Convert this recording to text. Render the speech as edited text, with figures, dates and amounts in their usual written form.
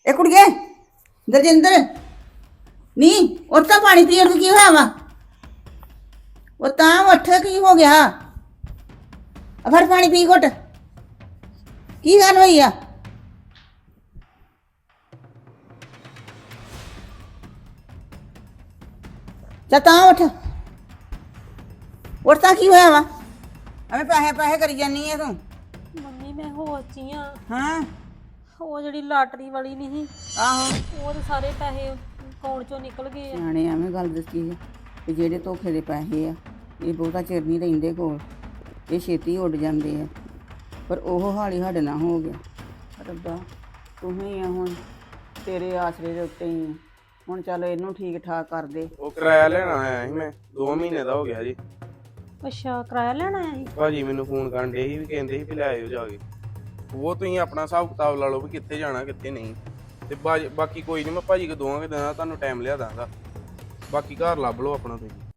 ਇਹ ਕੁੜੀਏ ਦਰਜਿੰਦਰ ਨੀ ਉੱਠ ਤਾਂ ਪਾਣੀ ਪੀਣ ਨੂੰ ਕੀ ਹੋਇਆ ਵਾ ਉਹ ਤਾਂ ਉੱਠ ਕੀ ਹੋ ਗਿਆ ਆ ਫੜ ਪਾਣੀ ਪੀ ਘੁੱਟ ਕੀ ਗੱਲ ਹੋਈ ਆ ਚੱਲ ਤਾਂ ਉੱਠ ਉੱਠ ਤਾਂ ਕੀ ਹੋਇਆ ਵਾ ਐਵੇਂ ਪੈਸੇ ਪੈਸੇ ਕਰੀ ਜਾਨੀ ਆ ਤੂੰ ਮੰਮੀ ਮੈਂ ਹੋਸ਼ 'ਚ ਹੀ ਆ। ਹਾਂ ਉਹ ਜਿਹੜੀ ਲਾਟਰੀ ਵਾਲੀ ਨਹੀਂ ਆਹੋ ਉਹ ਤੇ ਸਾਰੇ ਪੈਸੇ ਅਕਾਊਂਟ ਚੋਂ ਨਿਕਲ ਗਏ ਆ। ਸਿਆਣੇ ਐਵੇਂ ਗੱਲ ਦੱਸੀ ਆ ਕਿ ਜਿਹੜੇ ਧੋਖੇ ਦੇ ਪੈਸੇ ਆ ਇਹ ਬਹੁਤਾ ਚਿਰ ਨਹੀਂ ਰਹਿੰਦੇ ਕੋਲ ਇਹ ਛੇਤੀ ਉੱਡ ਜਾਂਦੇ ਆ ਪਰ ਉਹ ਹਾਲ ਹੀ ਸਾਡੇ ਨਾਲ ਹੋ ਗਿਆ ਰੱਬਾ ਤੂੰ ਹੀ ਆ ਹੁਣ ਤੇਰੇ ਆਸਰੇ ਦੇ ਉੱਤੇ ਹੀ ਆ ਹੁਣ ਚੱਲ ਇਹਨੂੰ ਠੀਕ ਠਾਕ ਕਰ ਦੇ ਉਹ ਕਿਰਾਇਆ ਲੈਣ ਆਇਆ ਸੀ ਮੈਂ 2 ਮਹੀਨੇ ਦਾ ਹੋ ਗਿਆ ਜੀ। ਅੱਛਾ ਕਿਰਾਇਆ ਲੈਣ ਆਇਆ ਸੀ। ਭਾਜੀ ਮੈਨੂੰ ਫੋਨ ਕਰਨ ਡੇ ਸੀ ਵੀ ਕਹਿੰਦੇ ਸੀ ਵੀ ਲੈ ਆਇਓ ਜਾ ਕੇ ਉਹ ਤੁਸੀਂ ਆਪਣਾ ਹਿਸਾਬ ਕਿਤਾਬ ਲਾ ਲਓ ਵੀ ਕਿੱਥੇ ਜਾਣਾ ਕਿੱਥੇ ਨਹੀਂ ਤੇ ਬਾਕੀ ਕੋਈ ਨਹੀਂ ਮੈਂ ਭਾਜੀ ਕੋ ਦੋਵਾਂਗੇ ਦਿਨਾਂ ਤੁਹਾਨੂੰ ਟਾਈਮ ਲਿਆ ਦਾਂਗਾ ਬਾਕੀ ਘਰ ਲੱਭ ਲਓ ਆਪਣਾ ਤੁਸੀਂ।